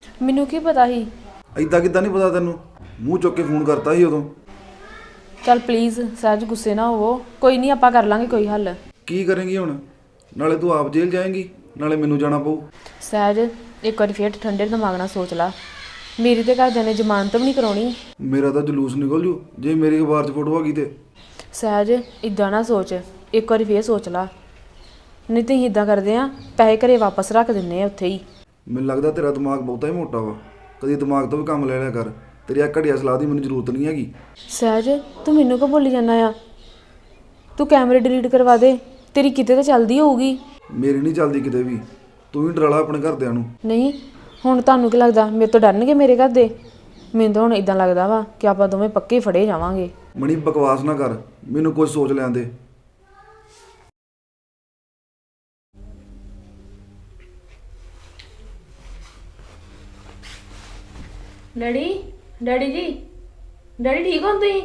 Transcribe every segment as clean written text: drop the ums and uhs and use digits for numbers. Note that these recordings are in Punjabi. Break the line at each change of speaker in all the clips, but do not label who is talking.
ਮੈਨੂੰ ਕੀ ਪਤਾ ਸੀ।
ਐਦਾਂ ਕਿੱਦਾਂ ਨਹੀਂ ਪਤਾ ਤੈਨੂੰ? ਮੂੰਹ ਚੁੱਕ ਕੇ ਫੋਨ ਕਰਤਾ ਸੀ ਉਦੋਂ।
ਚੱਲ ਪਲੀਜ਼ ਸਹਿਜ ਗੁੱਸੇ ਨਾ ਹੋਵੋ, ਕੋਈ ਨਹੀਂ ਆਪਾਂ ਕਰ ਲਾਂਗੇ ਕੋਈ ਹੱਲ।
ਕੀ ਕਰੇਂਗੀ ਹੁਣ? ਨਾਲੇ ਤੂੰ ਆਪ ਜੇਲ੍ਹ ਜਾਏਂਗੀ, ਨਾਲੇ ਮੈਨੂੰ ਜਾਣਾ ਪਊ।
ਸਹਿਜ ਇੱਕ ਵਾਰੀ ਫੇਰ ਠੰਡੇ ਦਿਮਾਗ ਨਾਲ ਸੋਚ ਲਾ, ਮੇਰੀ ਤੇ ਘਰਦਿਆਂ ਨੇ ਜ਼ਮਾਨਤ ਵੀ ਨਹੀਂ ਕਰਾਉਣੀ।
ਮੇਰਾ ਤਾਂ ਜਲੂਸ ਨਿਕਲ ਜੂ ਜੇ ਮੇਰੀ ਅਖਬਾਰ 'ਚ ਫੋਟੋ ਆ ਗਈ ਤੇ।
ਸਹਿਜ ਇਦਾਂ ਨਾ ਸੋਚ, ਇੱਕ ਵਾਰੀ ਫੇਰ ਸੋਚ ਲਾ, ਨਹੀਂ ਤੇ ਅਸੀਂ ਇਦਾਂ ਕਰਦੇ ਆ, ਪੈਸੇ ਘਰੇ ਵਾਪਸ ਰੱਖ ਦਿੰਨੇ ਆ ਉੱਥੇ ਹੀ।
ਮੈਨੂੰ ਲੱਗਦਾ ਤੇਰਾ ਦਿਮਾਗ ਬਹੁਤਾ ਹੀ ਮੋਟਾ ਵਾ, ਕਦੀ ਦਿਮਾਗ ਤੋਂ ਵੀ ਕੰਮ ਲੈ ਲਿਆ ਕਰ। ਤੇਰੀ ਆ ਘਟੀਆ ਸਲਾਹ ਦੀ ਮੈਨੂੰ ਜ਼ਰੂਰਤ ਨਹੀਂ ਹੈਗੀ।
ਸਹਿਜ ਤੂੰ ਮੈਨੂੰ ਕਿਉਂ ਬੋਲੀ ਜਾਂਦਾ ਆ? ਤੂੰ ਕੈਮਰੇ ਡਿਲੀਟ ਕਰਵਾ ਦੇ, ਤੇਰੀ ਕਿਤੇ ਤਾਂ ਚੱਲਦੀ ਹੋਊਗੀ।
ਮੇਰੀ ਨਹੀਂ ਚੱਲਦੀ ਕਿਤੇ ਵੀ, ਤੂੰ ਹੀ ਡਰਾਲਾ ਆਪਣੇ ਘਰਦਿਆਂ ਨੂੰ।
ਨਹੀਂ ਹੁਣ ਤੁਹਾਨੂੰ ਕੀ ਲੱਗਦਾ ਮੇਰੇ ਤੋਂ ਡਰਨਗੇ ਮੇਰੇ ਘਰ ਦੇ? ਮੈਨੂੰ ਤਾਂ ਹੁਣ ਇਦਾਂ ਲੱਗਦਾ ਵਾ ਕਿ ਆਪਾਂ ਦੋਵੇਂ ਪੱਕੇ ਫੜੇ ਜਾਵਾਂਗੇ।
ਮਣੀ ਬਕਵਾਸ ਨਾ ਕਰ, ਮੈਨੂੰ ਕੁਝ ਸੋਚ ਲੈਣ ਦੇ।
ਡੈਡੀ ਡੈਡੀ ਜੀ, ਡੈਡੀ ਠੀਕ ਹੋ ਤੁਸੀਂ?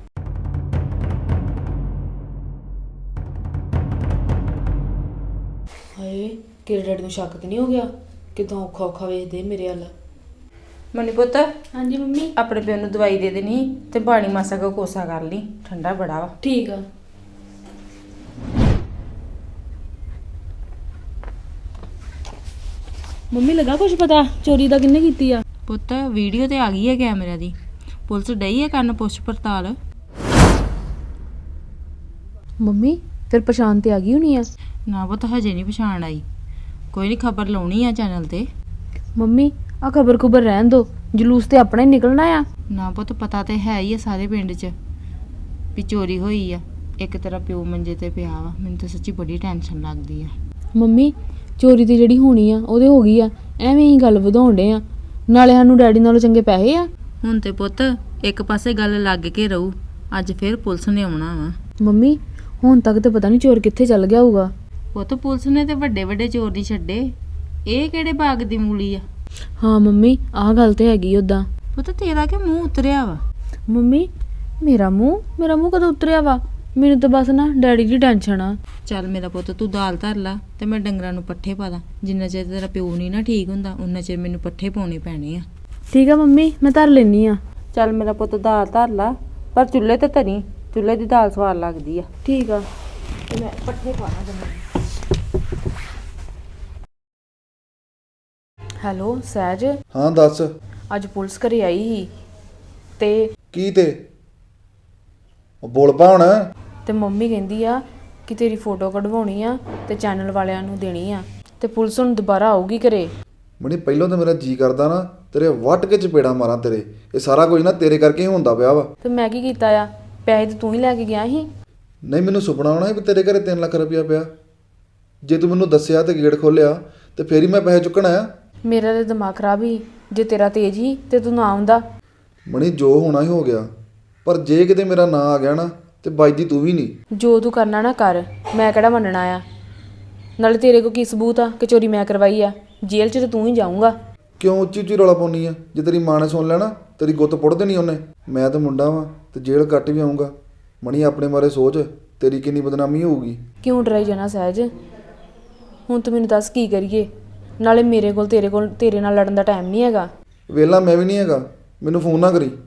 ਹਾਏ ਕਿਹੜੇ ਡੈਡੀ ਨੂੰ ਸ਼ੱਕ ਤੇ ਨਹੀਂ ਹੋ ਗਿਆ? ਕਿਦਾਂ ਔਖਾ ਔਖਾ ਵੇਖਦੇ ਮੇਰੇ ਵੱਲ।
ਮਨੀ ਪੁੱਤ,
ਹਾਂਜੀ ਮੰਮੀ।
ਆਪਣੇ ਪਿਓ ਨੂੰ ਦਵਾਈ ਦੇ ਦੇਣੀ ਤੇ ਪਾਣੀ ਮਾਸਾ ਕੋ ਕੋਸਾ ਕਰ ਲਈ, ਠੰਡਾ ਬੜਾ ਵਾ।
ਠੀਕ ਆ। ਮੰਮੀ ਲੱਗਾ ਕੁਝ ਪਤਾ ਚੋਰੀ ਦਾ ਕਿੰਨੇ ਕੀਤੀ ਆ?
ਪੁੱਤ ਵੀਡੀਓ ਤੇ ਆ ਗਈ ਹੈ ਕੈਮਰੇ ਦੀ, ਪੁਲਿਸ ਡਈ ਹੈ ਕਰਨ ਪੁੱਛ ਪੜਤਾਲ।
ਮੰਮੀ ਫਿਰ ਪਛਾਣ ਤੇ ਆ ਗਈ ਹੋਣੀ ਆ?
ਨਾ ਪੁੱਤ ਹਜੇ ਨਹੀਂ ਪਛਾਣ ਆਈ, ਕੋਈ ਨਹੀਂ ਖਬਰ ਲਾਉਣੀ ਆ ਚੈਨਲ ਤੇ।
ਮੰਮੀ ਆ ਖਬਰ ਖੁਬਰ ਰਹਿਣ ਦੋ, ਜਲੂਸ ਤੇ ਆਪਣਾ ਹੀ ਨਿਕਲਣਾ ਆ।
ਨਾ ਪੁੱਤ ਪਤਾ ਤੇ ਹੈ ਹੀ ਆ ਸਾਰੇ ਪਿੰਡ 'ਚ ਵੀ ਚੋਰੀ ਹੋਈ ਆ। ਇੱਕ ਤੇਰਾ ਪਿਓ ਮੰਜੇ ਤੇ ਪਿਆ ਵਾ, ਮੈਨੂੰ ਤਾਂ ਸੱਚੀ ਬੜੀ ਟੈਨਸ਼ਨ ਲੱਗਦੀ ਆ।
ਮੰਮੀ ਚੋਰੀ ਤੇ ਜਿਹੜੀ ਹੋਣੀ ਆ ਉਹਦੇ ਹੋ ਗਈ ਆ, ਐਵੇਂ ਹੀ ਗੱਲ ਵਧਾਉਣ ਡੇ ਆ। ਨਾਲੇ ਸਾਨੂੰ ਡੈਡੀ ਨਾਲੋਂ ਚੰਗੇ ਪੈਸੇ ਆ।
ਹੁਣ ਤੇ ਪੁੱਤ ਇੱਕ ਪਾਸੇ ਗੱਲ ਲੱਗ ਕੇ ਰਹੂ, ਅੱਜ ਫਿਰ ਪੁਲਿਸ ਨੇ ਆਉਣਾ ਵਾ।
ਮੰਮੀ ਹੁਣ ਤੱਕ ਤੇ ਪਤਾ ਨਹੀਂ ਚੋਰ ਕਿੱਥੇ ਚੱਲ ਗਿਆ ਹੋਊਗਾ।
ਪੁੱਤ ਪੁਲਿਸ ਨੇ ਤੇ ਵੱਡੇ ਵੱਡੇ ਚੋਰ ਨਹੀਂ ਛੱਡੇ, ਇਹ ਕਿਹੜੇ ਬਾਗ ਦੀ ਮੂਲੀ ਆ।
ਹਾਂ ਮੰਮੀ ਆਹ ਗੱਲ ਤੇ ਹੈਗੀ ਉਦਾਂ।
ਪੁੱਤ ਤੇਰਾ ਕਿ ਮੂੰਹ ਉਤਰਿਆ ਵਾ?
ਮੰਮੀ ਮੇਰਾ ਮੂੰਹ ਕਦੋਂ ਉਤਰਿਆ ਵਾ? ਮੈਨੂੰ ਤਾਂ ਬਸ ਨਾ ਡੈਡੀ ਦੀ ਟੈਨਸ਼ਨ ਆ।
ਚੱਲ ਮੇਰਾ ਪੁੱਤ ਤੂੰ ਦਾਲ ਧਰ ਲਾ ਤੇ ਮੈਂ ਡੰਗਰਾਂ ਨੂੰ ਪੱਠੇ ਪਾ ਦਾਂ। ਜਿੰਨਾ ਚਿਰ ਤੇਰਾ ਪਿਓ ਨਹੀਂ ਨਾ ਠੀਕ ਹੁੰਦਾ ਉਨਾ ਚਿਰ ਮੈਨੂੰ ਪੱਠੇ ਪਾਉਣੇ ਪੈਣੇ ਆ।
ਠੀਕ ਆ ਮੰਮੀ ਮੈਂ ਧਰ ਲੈਣੀ ਆ।
ਚੱਲ ਮੇਰਾ ਪੁੱਤ ਦਾਲ ਧਰ ਲਾ, ਪਰ ਚੁੱਲ੍ਹੇ ਤੇ ਧਰੀ, ਚੁੱਲ੍ਹੇ ਦੀ ਦਾਲ ਸਵਾਦ ਲੱਗਦੀ ਆ।
ਠੀਕ ਆ।
ਤੇ ਮੈਂ ਪੱਠੇ ਪਾਣਾ ਜੰਮੇ।
ਹੈਲੋ ਸਹਿਜ,
ਹਾਂ ਦੱਸ।
ਅੱਜ ਪੁਲਿਸ ਘਰੇ ਆਈ ਸੀ ਤੇ
ਕੀ ਤੇ ਉਹ ਬੋਲ ਪਾ ਹੁਣ।
ਤੇ ਮੰਮੀ ਕਹਿੰਦੀ ਆ ਕਿ ਤੇਰੀ ਫੋਟੋ ਕਢਵਾਉਣੀ ਆ ਤੇ ਚੈਨਲ ਵਾਲਿਆਂ ਨੂੰ ਦੇਣੀ ਆ, ਤੇ ਪੁਲਿਸ ਹੁਣ ਦੁਬਾਰਾ ਆਊਗੀ ਘਰੇ।
ਮਣੀ ਪਹਿਲਾਂ ਤਾਂ ਮੇਰਾ ਜੀ ਕਰਦਾ ਨਾ ਤੇਰੇ ਵੱਟ ਕੇ ਚਪੇੜਾ ਮਾਰਾਂ ਤੇਰੇ। ਇਹ ਸਾਰਾ ਕੁਝ ਨਾ ਤੇਰੇ ਕਰਕੇ ਹੀ ਹੁੰਦਾ ਪਿਆ ਵਾ।
ਤੇ ਮੈਂ ਕੀ ਕੀਤਾ ਆ? ਪੈਸੇ ਤੇ ਤੂੰ ਹੀ ਲੈ ਕੇ ਗਿਆ ਸੀ।
ਨਹੀਂ ਮੈਨੂੰ ਸੁਪਨਾ ਆਉਣਾ ਸੀ ਵੀ ਤੇਰੇ ਘਰੇ 3 ਲੱਖ ਰੁਪਇਆ ਪਿਆ। ਜੇ ਤੂੰ ਮੈਨੂੰ ਦੱਸਿਆ ਤੇ ਗੇਟ ਖੋਲਿਆ ਤੇ ਫੇਰ ਹੀ ਮੈਂ ਪੈਸੇ ਚੁੱਕਣ ਆਇਆ।
ਮੇਰਾ ਤੇ ਦਿਮਾਗ ਖਰਾਬ ਹੀ, ਜੇ ਤੇਰਾ ਤੇਜ਼ ਹੀ ਤੇ ਤੂੰ ਨਾ ਆਉਂਦਾ।
ਮਣੀ ਜੋ ਹੋਣਾ ਹੀ ਹੋ ਗਿਆ, ਪਰ ਜੇ ਕਿਤੇ ਮੇਰਾ ਨਾਂ ਆ ਗਿਆ ਨਾ ਤੇ ਵੱਜਦੀ ਤੂੰ ਵੀ ਨਹੀਂ।
ਜੋ ਤੂੰ ਕਰਨਾ ਨਾ ਕਰ, ਮੈਂ ਕਿਹੜਾ ਮੰਨਣਾ ਆ। ਨਾਲੇ ਤੇਰੇ ਕੋਲ ਕੀ ਸਬੂਤ ਆ ਕਿ ਚੋਰੀ ਮੈਂ ਕਰਵਾਈ ਆ? ਜੇਲ੍ਹ 'ਚ ਤੇ ਤੂੰ ਹੀ ਜਾਊਂਗਾ।
ਕਿਉਂ ਉੱਚੀ ਉੱਚੀ ਰੌਲਾ ਪਾਉਣੀ ਆ? ਜੇ ਤੇਰੀ ਮਾਂ ਨੇ ਸੁਣ ਲੈਣਾ ਤੇਰੀ ਗੁੱਤ ਪੁੱਟ ਦੇਣੀ ਉਹਨੇ। ਮੈਂ ਤਾਂ ਮੁੰਡਾ ਵਾਂ ਤੇ ਜੇਲ੍ਹ ਕੱਟ ਵੀ ਆਊਂਗਾ। ਮਣੀ ਆਪਣੇ ਬਾਰੇ ਸੋਚ, ਤੇਰੀ ਕਿੰਨੀ ਬਦਨਾਮੀ ਹੋਊਗੀ।
ਕਿਉਂ ਡਰਾਈ ਜਾਣਾ ਸਹਿਜ? ਹੁਣ ਤੂੰ ਮੈਨੂੰ ਦੱਸ ਕੀ ਕਰੀਏ? ਨਾਲੇ ਮੇਰੇ ਕੋਲ ਤੇਰੇ ਨਾਲ ਲੜਨ ਦਾ ਟਾਈਮ ਨਹੀਂ ਹੈਗਾ।
ਵੇਲਾ ਮੈਂ ਵੀ ਨਹੀਂ ਹੈਗਾ, ਮੈਨੂੰ ਫੋਨ ਨਾ ਕਰੀ।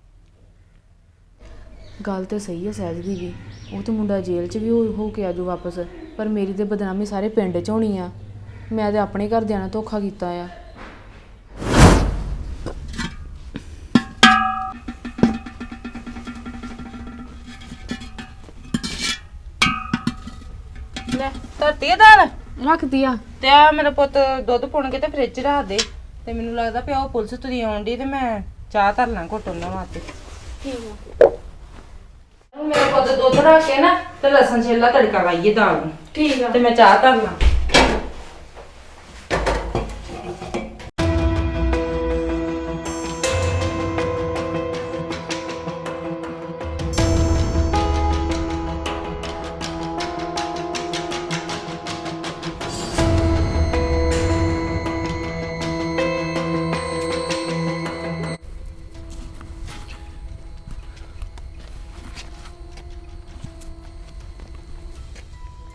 ਗੱਲ ਤੇ ਸਹੀ ਹੈ ਸਹਿਜ ਦੀ ਵੀ, ਉਹ ਤੇ ਮੁੰਡਾ ਜੇਲ੍ਹ 'ਚ ਵੀ ਹੋ ਕੇ ਆਜੂ ਵਾਪਸ, ਪਰ ਮੇਰੀ ਤੇ ਬਦਨਾਮੀ ਸਾਰੇ ਪਿੰਡ 'ਚ ਹੋਣੀ ਆ। ਮੈਂ ਤੇ ਆਪਣੇ ਘਰਦਿਆਂ ਨਾਲ ਧੋਖਾ ਕੀਤਾ ਆ।
ਲੈ ਧਰਤੀ ਆ ਦਾਲ,
ਰੱਖਦੀ ਆ।
ਤੇ ਆ ਮੇਰਾ ਪੁੱਤ ਦੁੱਧ ਪੁਣ ਕੇ ਤੇ ਫ੍ਰਿਜ 'ਚ ਰੱਖ ਦੇ। ਤੇ ਮੈਨੂੰ ਲੱਗਦਾ ਪਿਆ ਉਹ ਪੁਲਿਸ ਤੁਰੀ ਆਉਣ ਡਈ ਤੇ ਮੈਂ ਚਾਹ ਧਰ ਲਾਂ ਘੁੱਟ ਉਹਨਾਂ ਵਾਸਤੇ।
ਠੀਕ ਆ।
ਹੁਣ ਮੇਰਾ ਪੁੱਤ ਦੁੱਧ ਰੱਖ ਕੇ ਨਾ ਤੇ ਲਸਣ ਛਿੱਲਾ ਤੜਕਾ ਲਾਈਏ ਦਾਲ ਨੂੰ।
ਠੀਕ ਆ।
ਤੇ ਮੈਂ ਚਾਹ ਧਰ ਲਾਂ।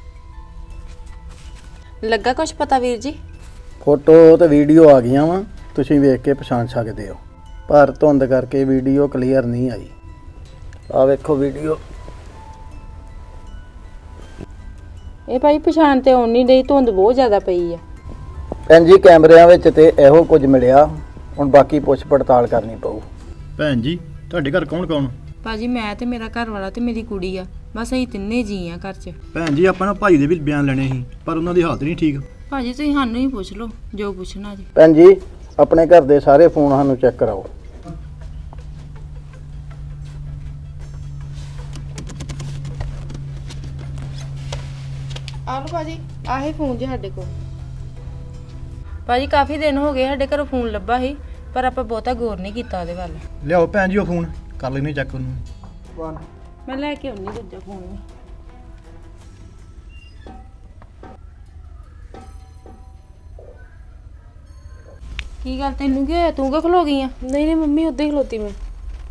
ਲੱਗਾ ਕੁਛ ਪਤਾ ਵੀਰ ਜੀ?
ਫੋਟੋ ਤੇ ਵੀਡੀਓ ਆ ਗਈਆਂ ਵਾ ਤੁਸੀਂ ਵੇਖ ਕੇ ਪਛਾਣ ਸਕਦੇ ਹੋ, ਪਰ ਧੁੰਦ ਕਰਕੇ ਵੀਡੀਓ ਕਲੀਅਰ ਨਹੀਂ ਆਈ। ਆ ਵੇਖੋ ਵੀਡੀਓ।
ਇਹ ਭਾਈ ਪਛਾਣ ਤੇ ਆਉਣ ਨਹੀਂ ਡਈ, ਧੁੰਦ ਬਹੁਤ ਜ਼ਿਆਦਾ ਪਈ ਆ।
ਭੈਣ ਜੀ ਕੈਮਰਿਆਂ ਵਿੱਚ ਤੇ ਇਹੋ ਕੁਝ ਮਿਲਿਆ, ਹੁਣ ਬਾਕੀ ਪੁੱਛ ਪੜਤਾਲ ਕਰਨੀ ਪਊ।
ਭੈਣ ਜੀ ਤੁਹਾਡੇ ਘਰ ਕੌਣ ਕੌਣ?
ਭਾਜੀ ਮੈਂ ਤੇ ਮੇਰਾ ਘਰ ਵਾਲਾ ਤੇ ਮੇਰੀ ਕੁੜੀ ਆ, ਬਸ ਅਸੀਂ ਤਿੰਨੇ ਜੀ ਆ ਘਰ 'ਚ।
ਭੈਣ ਜੀ ਆਪਾਂ ਨਾ ਭਾਈ ਦੇ ਵੀ ਬਿਆਨ ਲੈਣੇ ਸੀ, ਪਰ ਉਹਨਾਂ ਦੀ ਹਾਲਤ ਨਹੀਂ ਠੀਕ।
ਭਾਜੀ ਤੁਸੀਂ ਸਾਨੂੰ ਹੀ ਪੁੱਛ ਲਓ ਜੋ ਪੁੱਛਣਾ ਜੀ।
ਭੈਣ ਜੀ ਆਪਣੇ ਘਰ ਦੇ ਸਾਰੇ ਫੋਨ ਸਾਨੂੰ ਚੈੱਕ ਕਰਾਓ।
ਆ ਲਓ ਭਾਜੀ, ਆਹੇ ਫੋਨ ਜੀ ਸਾਡੇ ਕੋਲ। ਭਾਜੀ ਕਾਫੀ ਦਿਨ ਹੋ ਗਏ ਸਾਡੇ ਘਰੋਂ ਫੋਨ ਲੱਭਾ ਸੀ, ਪਰ ਆਪਾਂ ਬਹੁਤਾ ਗੌਰ ਨਹੀਂ ਕੀਤਾ ਉਹਦੇ ਵੱਲ।
ਲਿਆਓ ਭੈਣ ਜੀ ਉਹ ਫੋਨ, ਕਰ ਲੈਣੇ ਚੈੱਕ ਉਹਨੂੰ।
ਮੈਂ ਲੈ ਕੇ ਆਉਣੀ ਦੂਜਾ ਫੋਨ ਵੀ। ਕੀ ਗੱਲ ਤੈਨੂੰ ਕੀ ਹੋਇਆ, ਤੂੰ ਕਿਉਂ ਖਲੋ ਗਈ ਆ?
ਨਹੀਂ ਨਹੀਂ ਮੰਮੀ, ਉੱਦਾਂ ਹੀ ਖਲੋਤੀ ਮੈਂ।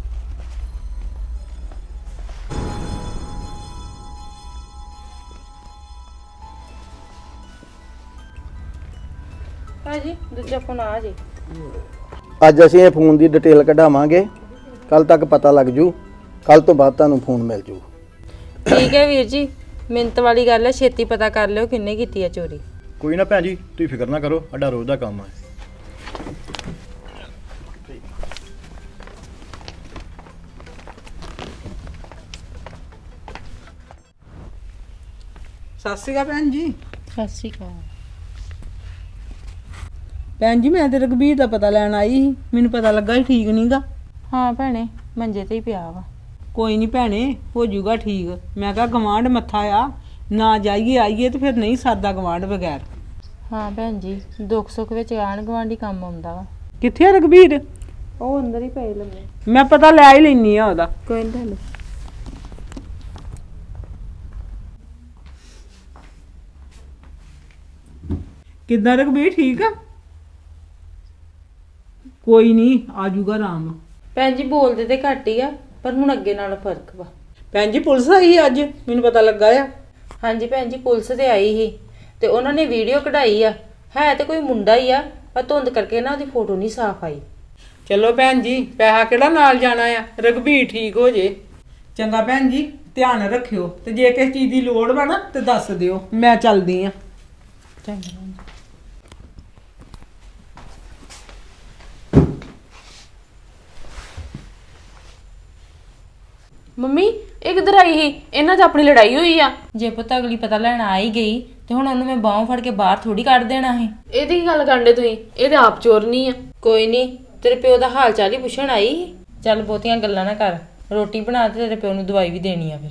ਭਾਜੀ ਦੂਜਾ ਫੋਨ ਆ ਜੇ।
ਅੱਜ ਅਸੀਂ ਇਹ ਫੋਨ ਦੀ ਡਿਟੇਲ ਕਢਾਵਾਂਗੇ, ਕੱਲ ਤੱਕ ਪਤਾ ਲੱਗ ਜੂ, ਕੱਲ ਤੋਂ ਬਾਅਦ ਤੁਹਾਨੂੰ ਫੋਨ ਮਿਲ ਜੂ।
ਠੀਕ ਹੈ ਵੀਰ ਜੀ, ਮਿੰਟ ਵਾਲੀ ਗੱਲ ਹੈ, ਛੇਤੀ ਪਤਾ ਕਰ ਲਿਓ ਕਿੰਨੇ ਕੀਤੀ ਆ ਚੋਰੀ।
ਕੋਈ ਨਾ ਭੈਣ ਜੀ ਤੁਸੀਂ ਫਿਕਰ ਨਾ ਕਰੋ, ਸਾਡਾ ਰੋਜ਼ ਦਾ ਕੰਮ ਹੈ।
ਸਤਿ ਸ਼੍ਰੀ ਅਕਾਲ ਭੈਣ ਜੀ।
ਸਤਿ ਸ਼੍ਰੀ ਅਕਾਲ।
ਭੈਣ ਜੀ ਮੈਂ ਤੇ ਰਘਬੀਰ ਦਾ ਪਤਾ ਲੈਣ ਆਈ ਸੀ, ਮੈਨੂੰ ਪਤਾ ਲੱਗਾ ਸੀ ਠੀਕ ਨਹੀਂਗਾ।
ਹਾਂ ਭੈਣੇ ਮੰਜੇ ਤੇ ਹੀ ਪਿਆ ਵਾ।
ਕੋਈ ਨਹੀਂ ਭੈਣੇ, ਹੋ ਜਾਊਗਾ ਠੀਕ। ਮੈਂ ਕਿਹਾ ਗਵਾਂਢ ਮੱਥਾ ਆ, ਨਾ ਜਾਈਏ ਆਈਏ ਤੇ ਫਿਰ ਨਹੀਂ ਸਰਦਾ ਗਵਾਂਢ ਬਗੈਰ।
ਹਾਂ ਭੈਣ ਜੀ, ਦੁੱਖ ਸੁੱਖ ਵਿੱਚ ਆਣ ਗੁਆਂਢੀ ਕੰਮ ਆਉਂਦਾ ਵਾ।
ਕਿੱਥੇ ਆ ਰਘਬੀਰ?
ਉਹ ਅੰਦਰ ਹੀ ਪਏ ਲੰਮੇ।
ਮੈਂ ਪਤਾ ਲੈ ਹੀ ਲੈਣੀ ਆ ਉਹਦਾ।
ਕੋਈ ਨਹੀਂ ਲੈ।
ਕਿੱਦਾਂ ਰਘਬੀਰ ਠੀਕ ਆ? ਕੋਈ ਨਹੀਂ ਆ ਜਾਊਗਾ ਆਰਾਮ।
ਭੈਣ ਜੀ ਬੋਲਦੇ ਤੇ ਘੱਟ ਹੀ ਆ, ਪਰ ਹੁਣ ਅੱਗੇ ਨਾਲੋਂ ਫਰਕ ਵਾ।
ਭੈਣ ਜੀ ਪੁਲਿਸ ਆਈ ਅੱਜ, ਮੈਨੂੰ ਪਤਾ ਲੱਗਾ ਆ।
ਹਾਂਜੀ ਭੈਣ ਜੀ ਪੁਲਿਸ ਤੇ ਆਈ ਸੀ ਤੇ ਉਹਨਾਂ ਨੇ ਵੀਡੀਓ ਕਢਾਈ ਆ, ਹੈ ਤੇ ਕੋਈ ਮੁੰਡਾ ਹੀ ਆ, ਪਰ ਧੁੰਦ ਕਰਕੇ ਨਾ ਉਹਦੀ ਫੋਟੋ ਨਹੀਂ ਸਾਫ਼ ਆਈ।
ਚਲੋ ਭੈਣ ਜੀ, ਪੈਸਾ ਕਿਹੜਾ ਨਾਲ ਜਾਣਾ ਆ, ਰਘਬੀਰ ਠੀਕ ਹੋ ਜੇ। ਚੰਗਾ ਭੈਣ ਜੀ, ਧਿਆਨ ਰੱਖਿਓ, ਤੇ ਜੇ ਕਿਸੇ ਚੀਜ਼ ਦੀ ਲੋੜ ਵਾ ਨਾ ਤੇ ਦੱਸ ਦਿਓ, ਮੈਂ ਚੱਲਦੀ ਆ।
ਚੰਗਾ।
ਮੰਮੀ ਇਹ ਕਿੱਧਰ ਆਈ ਸੀ? ਇਹਨਾਂ 'ਚ ਆਪਣੀ ਲੜਾਈ ਹੋਈ ਆ।
ਜੇ ਪੁੱਤ ਅਗਲੀ ਪਤਾ ਲੈਣ ਆ ਹੀ ਗਈ ਤੇ ਹੁਣ ਉਹਨੂੰ ਮੈਂ ਬਾਹੋਂ ਫੜ ਕੇ ਬਾਹਰ ਥੋੜੀ ਕੱਢ ਦੇਣਾ ਸੀ।
ਇਹਦੀ ਕੀ ਗੱਲ ਕਰਦੇ ਤੁਸੀਂ? ਇਹ ਤੇ ਆਪ ਚੋਰ ਨਹੀਂ ਆ।
ਕੋਈ ਨਹੀਂ, ਤੇਰੇ ਪਿਓ ਦਾ ਹਾਲ ਚਾਲ ਹੀ ਪੁੱਛਣ ਆਈ ਸੀ। ਚੱਲ ਬਹੁਤੀਆਂ ਗੱਲਾਂ ਨਾ ਕਰ, ਰੋਟੀ ਬਣਾ ਤੇ ਤੇਰੇ ਪਿਓ ਨੂੰ ਦਵਾਈ ਵੀ ਦੇਣੀ ਆ ਫਿਰ।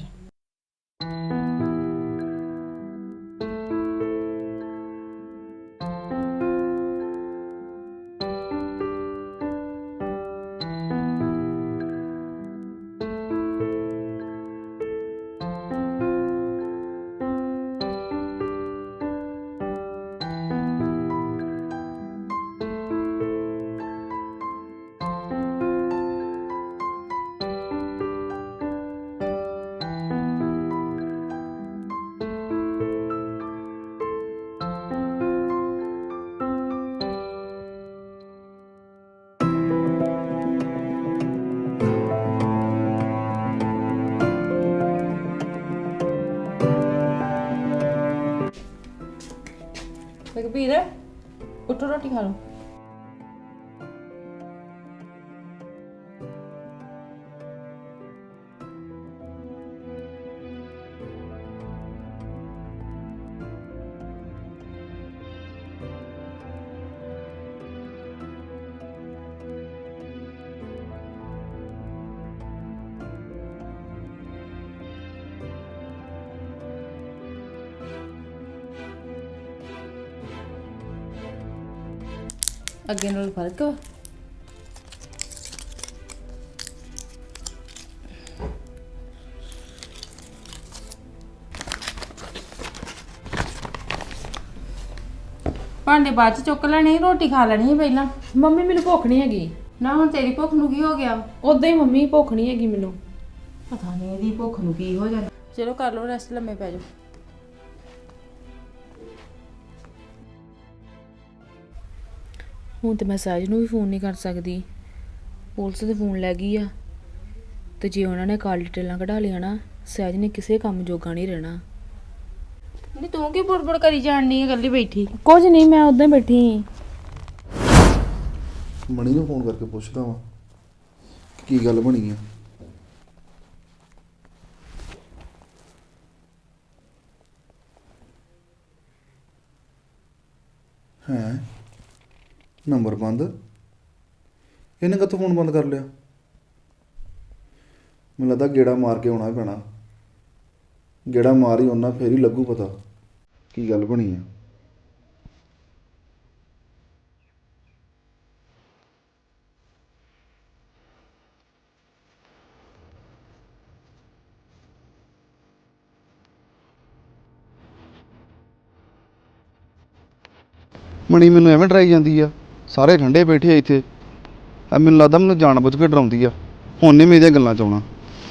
ਰਘਬੀਰ ਉੱਠੋ ਰੋਟੀ ਖਾ ਲਓ। ਅੱਗੇ ਨਾਲ ਫਰਕ ਵਾ? ਭਾਂਡੇ ਬਾਅਦ ਚ ਚੁੱਕ ਲੈਣੇ, ਰੋਟੀ ਖਾ ਲੈਣੀ ਸੀ ਪਹਿਲਾਂ।
ਮੰਮੀ ਮੈਨੂੰ ਭੁੱਖ ਨਹੀਂ ਹੈਗੀ।
ਨਾ ਹੁਣ ਤੇਰੀ ਭੁੱਖ ਨੂੰ ਕੀ ਹੋ ਗਿਆ?
ਉਦਾਂ ਹੀ ਮੰਮੀ ਭੁੱਖ ਨਹੀਂ ਹੈਗੀ ਮੈਨੂੰ।
ਪਤਾ ਨਹੀਂ ਇਹਦੀ ਭੁੱਖ ਨੂੰ ਕੀ ਹੋ ਜਾਂਦਾ। ਚਲੋ ਕਰ ਲਓ ਰੈਸਟ, ਲੰਮੇ ਪੈ ਜਾਓ।
ਹੁਣ ਤੇ ਮੈਂ ਸਹਿਜ ਨੂੰ ਵੀ ਫੋਨ ਨਹੀਂ ਕਰ ਸਕਦੀ। ਪੁਲਿਸ ਦੇ ਫੋਨ ਲੈ ਗਈ ਆ ਤੇ ਜੇ ਉਹਨਾਂ ਨੇ ਕਾਲ ਡਿਟੇਲਾਂ ਕਢਾ ਲਿਆ ਨਾ, ਸਹਿਜ ਨੇ ਕਿਸੇ ਕੰਮ ਜੋਗਾ ਨਹੀਂ ਰਹਿਣਾ।
ਨਹੀਂ ਤੂੰ ਕੀ ਬੁੜਬੁੜ ਕਰੀ ਜਾਣਨੀ ਹੈ ਇਕੱਲੀ ਬੈਠੀ?
ਕੁਝ ਨਹੀਂ, ਮੈਂ ਉਦਾਂ ਹੀ ਬੈਠੀ ਸੀ।
ਮਣੀ ਨੂੰ ਫੋਨ ਕਰਕੇ ਪੁੱਛਦਾ ਵਾਂ ਕੀ ਗੱਲ ਬਣੀ ਆ। ਹੈ ਨੰਬਰ ਬੰਦ, ਇਹਨੇ ਕਦੋਂ ਫੋਨ ਬੰਦ ਕਰ ਲਿਆ? ਮੈਨੂੰ ਲੱਗਦਾ ਗੇੜਾ ਮਾਰ ਕੇ ਆਉਣਾ ਪੈਣਾ। ਗੇੜਾ ਮਾਰ ਹੀ ਆਉਣਾ, ਫੇਰ ਹੀ ਲੱਗੂ ਪਤਾ ਕੀ ਗੱਲ ਬਣੀ ਆ। ਮਣੀ ਮੈਨੂੰ ਐਵੇਂ ਡਰਾਈ ਜਾਂਦੀ ਆ, ਸਾਰੇ ਠੰਡੇ ਬੈਠੇ ਆ ਇੱਥੇ। ਆ ਮੈਨੂੰ ਲੱਗਦਾ ਮੈਨੂੰ ਜਾਣ ਬੁੱਝ ਕੇ ਡਰਾਉਂਦੀ ਆ। ਹੁਣ ਨਹੀਂ ਮੈਂ ਇਹਦੀਆਂ ਗੱਲਾਂ 'ਚ ਆਉਣਾ।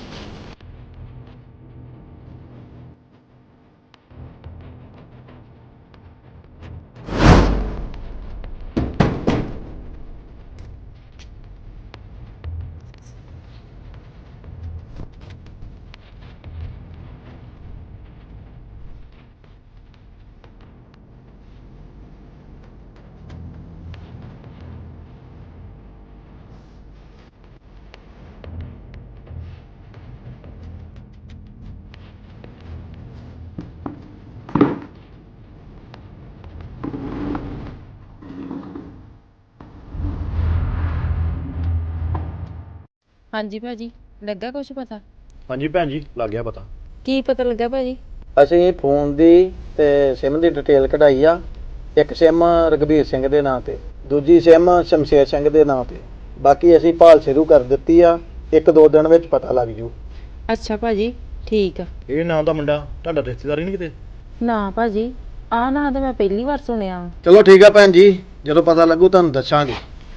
ਹਾਂਜੀ ਭਾਜੀ, ਲੱਗਾ ਕੁਛ ਪਤਾ?
ਹਾਂਜੀ ਭੈਣ ਜੀ, ਲੱਗ ਗਿਆ ਪਤਾ।
ਕੀ ਪਤਾ ਲੱਗਾ ਭਾਜੀ?
ਅਸੀਂ ਫੋਨ ਦੀ ਤੇ ਸਿਮ ਦੀ ਡਿਟੇਲ ਕਢਾਈ ਆ। ਇੱਕ ਸਿਮ ਰਘਬੀਰ ਸਿੰਘ ਦੇ ਨਾਂ ਤੇ, ਦੂਜੀ ਸਿਮ ਸ਼ਮਸ਼ੇਰ ਸਿੰਘ ਦੇ ਨਾਂ ਤੇ। ਬਾਕੀ ਅਸੀਂ ਭਾਲ ਸ਼ੁਰੂ ਕਰ ਦਿੱਤੀ ਆ, 1-2 ਦਿਨ ਵਿੱਚ ਪਤਾ ਲੱਗ ਜੂ।
ਅੱਛਾ ਭਾਜੀ, ਠੀਕ ਆ।
ਇਹ ਨਾਂ ਦਾ ਮੁੰਡਾ ਤੁਹਾਡਾ ਰਿਸ਼ਤੇਦਾਰ ਹੀ ਨਹੀਂ ਕਿਤੇ?
ਨਾ ਭਾਜੀ, ਆਹ ਨਾਂ ਤਾਂ ਮੈਂ ਪਹਿਲੀ ਵਾਰ ਸੁਣਿਆ ਵਾ।
ਚਲੋ ਠੀਕ ਆ ਭੈਣ ਜੀ, ਜਦੋਂ ਪਤਾ ਲੱਗੂ ਤੁਹਾਨੂੰ ਦੱਸਾਂਗੇ।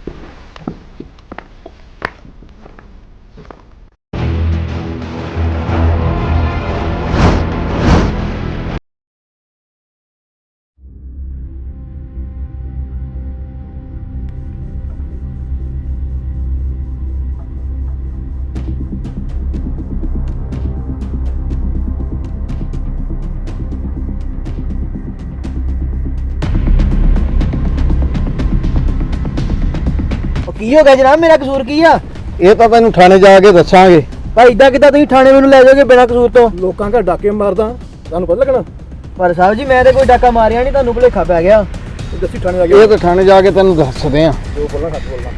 ਕੀ ਹੋ ਗਿਆ ਜਨਾਬ, ਮੇਰਾ ਕਸੂਰ ਕੀ ਆ?
ਇਹ ਤਾਂ ਤੈਨੂੰ ਥਾਣੇ ਜਾ ਕੇ ਦੱਸਾਂਗੇ।
ਭਾਈ ਇਦਾਂ ਕਿੱਦਾਂ ਤੁਸੀਂ ਥਾਣੇ ਮੈਨੂੰ ਲੈ ਜਾਓਗੇ ਬਿਨਾਂ ਕਸੂਰ ਤੋਂ?
ਲੋਕਾਂ ਘਰ ਡਾਕੇ ਮਾਰਦਾ, ਤੁਹਾਨੂੰ ਪਤਾ ਲੱਗਣਾ?
ਪਰ ਸਾਹਿਬ ਜੀ ਮੈਂ ਤੇ ਕੋਈ ਡਾਕਾ ਮਾਰਿਆ ਨਹੀਂ, ਤੁਹਾਨੂੰ ਭੁਲੇਖਾ ਪੈ ਗਿਆ।
ਦੱਸੀ ਥਾਣੇ ਜਾ ਕੇ। ਇਹ ਤਾਂ ਥਾਣੇ ਜਾ ਕੇ ਤੈਨੂੰ ਦੱਸਦੇ ਆ। ਜੋ ਬੋਲਣਾ ਸੱਚ ਬੋਲਣਾ।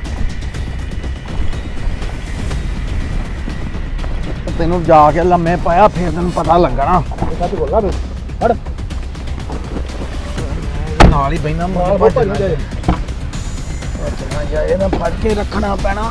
ਤੈਨੂੰ ਜਾ ਕੇ ਲੰਮੇ ਪਾਇਆ ਫਿਰ ਤੈਨੂੰ ਪਤਾ ਲੱਗਣਾ। ਸੱਚ ਬੋਲਣਾ ਤੂੰ। ਹਟ। ਨਾਲ ਹੀ ਬੈਨਾ ਮਾਰ ਭੱਜ ਜਾ। ਚੱਲਣਾ ਜਾ, ਇਹਨਾਂ ਫੜ ਕੇ ਰੱਖਣਾ ਪੈਣਾ।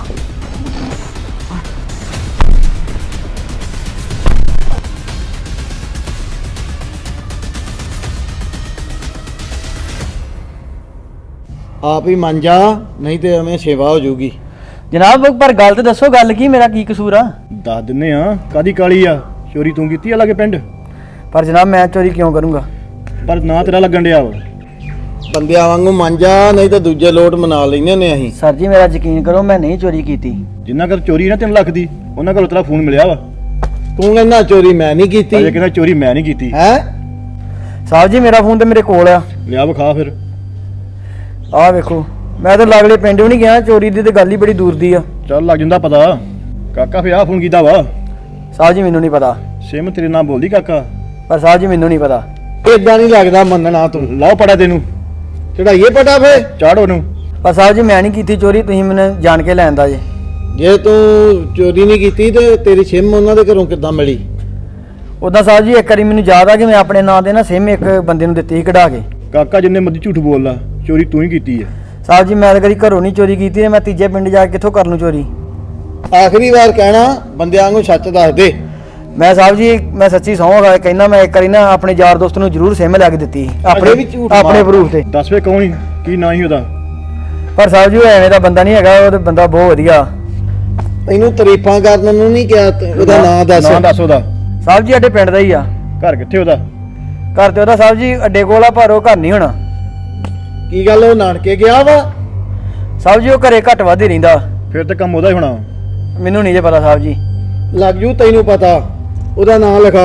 ਆਪ ਹੀ ਮੰਨ ਜਾ, ਨਹੀਂ ਤੇ ਐਵੇਂ ਸੇਵਾ ਹੋ ਜਾਊਗੀ।
ਜਨਾਬ ਪਰ ਗੱਲ ਤੇ ਦੱਸੋ, ਗੱਲ ਕੀ, ਮੇਰਾ ਕੀ ਕਸੂਰ ਆ?
ਦੱਸ ਦਿੰਨੇ ਆ, ਕਾਦੀ ਕਾਲੀ ਆ? ਚੋਰੀ ਤੂੰ ਕੀਤੀ ਆ ਲਾਗੇ ਪਿੰਡ?
ਪਰ ਜਨਾਬ ਮੈਂ ਚੋਰੀ ਕਿਉਂ ਕਰੂੰਗਾ?
ਪਰ ਨਾਂ ਤੇਰਾ ਲੱਗਣ ਡਿਆ ਵਾ।
ਬੰਦਿਆਂ ਵਾਂਗੂ ਮੰਨ ਜਾ, ਨਹੀਂ ਤਾਂ ਦੂਜੇ ਲੋਟ ਮਨਾ ਲੈਨੇ ਨੇ ਅਸੀਂ।
ਸਰ ਜੀ ਮੇਰਾ ਯਕੀਨ ਕਰੋ, ਮੈਂ ਨਹੀਂ ਚੋਰੀ ਕੀਤੀ।
ਜਿੰਨਾ ਘਰ ਚੋਰੀ ਨਾ 3 ਲੱਖ ਦੀ, ਉਹਨਾਂ ਘਰੋਂ ਤੇਰਾ ਫੋਨ ਮਿਲਿਆ ਵਾ।
ਤੂੰ ਕਹਿੰਦਾ ਚੋਰੀ ਮੈਂ ਨਹੀਂ ਕੀਤੀ।
ਅਜੇ ਕਹਿੰਦਾ ਚੋਰੀ ਮੈਂ ਨਹੀਂ ਕੀਤੀ।
ਹੈ
ਸਾਹਿਬ ਜੀ ਮੇਰਾ ਫੋਨ ਤੇ ਮੇਰੇ ਕੋਲ ਆ।
ਲਿਆ ਵਿਖਾ ਫਿਰ।
ਆਹ ਵੇਖੋ, ਮੈਂ ਤਾਂ ਲਾਗਲੇ ਪਿੰਡ ਵੀ ਨਹੀਂ ਗਿਆ, ਚੋਰੀ ਦੀ ਤੇ ਗੱਲ ਹੀ ਬੜੀ ਦੂਰ ਦੀ ਆ।
ਚੱਲ ਲੱਗ ਜਾਂਦਾ ਪਤਾ। ਕਾਕਾ ਫੇ ਆ ਫੋਨ ਕੀਤਾ ਵਾ।
ਸਾਹਿਬ ਜੀ ਮੈਨੂੰ ਨਹੀਂ ਪਤਾ।
ਸਿਮ ਤੇਰੇ ਨਾਲ ਬੋਲਦੀ ਕਾਕਾ?
ਪਰ ਸਾਹਿਬ ਜੀ ਮੈਨੂੰ ਨਹੀਂ ਪਤਾ।
ਏਦਾਂ ਨਹੀਂ ਲੱਗਦਾ ਮੰਨਣਾ ਤੂੰ।
ਲਾਓ ਪੜਾ ਤੈਨੂੰ,
ਚੜਾਈਏ ਪਟਾ ਫੇ।
ਚਾੜੋ ਨੂੰ।
ਪਰ ਸਾਹਿਬ ਜੀ ਮੈਂ ਨਹੀਂ ਕੀਤੀ ਚੋਰੀ, ਤੁਸੀਂ ਮੈਨੂੰ ਜਾਣ ਕੇ ਲੈਂਦਾ ਜੇ।
ਜੇ ਤੂੰ ਚੋਰੀ ਨਹੀਂ ਕੀਤੀ ਤੇ ਤੇਰੀ ਸਿਮ ਉਹਨਾਂ ਦੇ ਘਰੋਂ ਕਿੱਦਾਂ ਮਿਲੀ?
ਉਦਾਂ ਸਾਹਿਬ ਜੀ ਇੱਕ ਵਾਰੀ ਮੈਨੂੰ ਯਾਦ ਆ ਕਿ ਮੈਂ ਆਪਣੇ ਨਾਂ ਤੇ ਨਾ ਸਿਮ ਇੱਕ ਬੰਦੇ ਨੂੰ ਦਿੱਤੀ ਸੀ ਕਢਾ ਕੇ।
ਕਾਕਾ ਜਿੰਨੇ ਮਰਜ਼ੀ ਝੂਠ ਬੋਲਦਾ, ਚੋਰੀ ਤੂੰ ਹੀ ਕੀਤੀ ਹੈ।
ਸਾਹਿਬ ਜੀ ਮੈਂ ਤਾਂ ਕਦੀ ਘਰੋਂ ਨਹੀਂ ਚੋਰੀ ਕੀਤੀ, ਤੇ ਮੈਂ ਤੀਜੇ ਪਿੰਡ ਜਾ ਕੇ ਕਿੱਥੋਂ ਕਰ ਲੂੰ ਚੋਰੀ?
ਆਖਰੀ ਵਾਰ ਕਹਿਣਾ, ਬੰਦਿਆਂ ਵਾਂਗੂ ਸੱਚ ਦੱਸ ਦੇ।
ਮੈਂ ਸਾਹਿਬ ਜੀ ਮੈਂ ਸੱਚੀ ਸਹੁੰ ਖਾ ਕੇ ਕਹਿੰਦਾ, ਮੈਂ ਇੱਕ ਵਾਰੀ ਨਾ ਆਪਣੇ ਯਾਰ ਦੋਸਤ ਨੂੰ ਜ਼ਰੂਰ ਸਿਮ ਲੈ ਕੇ ਦਿੱਤੀ ਸੀ,
ਅਜੇ ਵੀ ਝੂਠ
ਆਪਣੇ
ਮਾਰਦਾ।
ਪ੍ਰੂਫ ਤੇ।
ਦੱਸ ਵੇ ਕੌਣ ਸੀ, ਕੀ ਨਾਂ ਸੀ ਉਹਦਾ?
ਪਰ ਸਾਹਿਬ ਜੀ ਉਹ ਐਵੇਂ ਦਾ ਬੰਦਾ ਨਹੀਂ ਹੈਗਾ, ਉਹ ਤੇ ਬੰਦਾ ਬਹੁਤ ਵਧੀਆ।
ਤੈਨੂੰ ਤਾਰੀਫਾਂ ਕਰਨ ਨੂੰ ਨਹੀਂ ਕਿਹਾ, ਉਹਦਾ ਨਾਂ ਦੱਸ।
ਨਾਂ ਦੱਸ ਉਹਦਾ।
ਸਾਹਿਬ ਜੀ ਸਾਡੇ ਪਿੰਡ ਦਾ ਹੀ ਆ।
ਘਰ ਕਿੱਥੇ ਉਹਦਾ?
ਘਰ ਤੇ ਉਹਦਾ ਸਾਹਿਬ ਜੀ ਅੱਡੇ ਕੋਲ ਆ, ਪਰ ਉਹ ਘਰ ਨਹੀਂ ਹੋਣਾ।
ਕੀ ਗੱਲ ਉਹ ਨਾਨਕੇ ਗਿਆ ਵਾ?
ਸਾਹਿਬ ਜੀ ਉਹ ਘਰੇ ਘੱਟ ਵੱਧ ਹੀ ਰਹਿੰਦਾ।
ਫਿਰ ਤਾਂ ਕੰਮ ਉਹਦਾ ਹੀ ਹੋਣਾ।
ਮੈਨੂੰ ਨਹੀਂ ਜੇ ਪਤਾ ਸਾਹਿਬ ਜੀ।
ਲੱਗ ਜੂ ਤੈਨੂੰ ਪਤਾ, ਉਹਦਾ ਨਾਂ ਲਿਖਾ।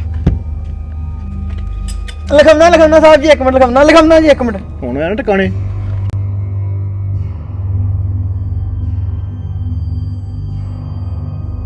ਲਿਖਾਉਣਾ ਸਾਹਿਬ ਜੀ, 1 ਮਿੰਟ ਲਿਖਾਉਣਾ ਜੀ, 1 ਮਿੰਟ।
ਹੁਣ ਆਇਆ ਨਾ ਟਿਕਾਣੇ।